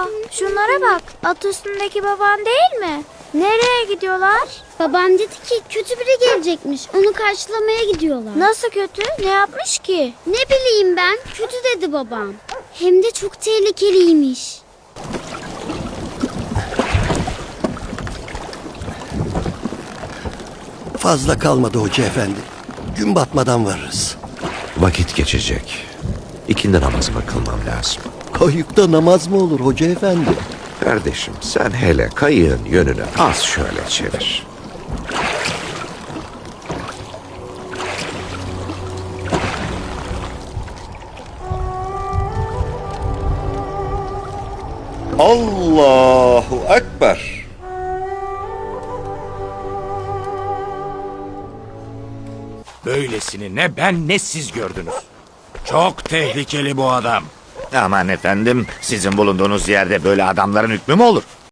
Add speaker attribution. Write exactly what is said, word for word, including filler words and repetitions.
Speaker 1: şunlara bak. At üstündeki baban değil mi? Nereye gidiyorlar?
Speaker 2: Babam dedi ki kötü biri gelecekmiş. Onu karşılamaya gidiyorlar.
Speaker 1: Nasıl kötü? Ne yapmış ki?
Speaker 2: Ne bileyim ben. Kötü dedi babam. Hem de çok tehlikeliymiş.
Speaker 3: Fazla kalmadı hoca efendi. Gün batmadan varırız.
Speaker 4: Vakit geçecek. İkindi namazımı kılmam lazım.
Speaker 3: Kayıkta namaz mı olur hoca efendi?
Speaker 4: Kardeşim sen hele kayığın yönünü az şöyle çevir.
Speaker 5: Allahu Ekber.
Speaker 6: Böylesini ne ben ne siz gördünüz. Çok tehlikeli bu adam.
Speaker 7: Aman efendim, sizin bulunduğunuz yerde böyle adamların hükmü mü olur?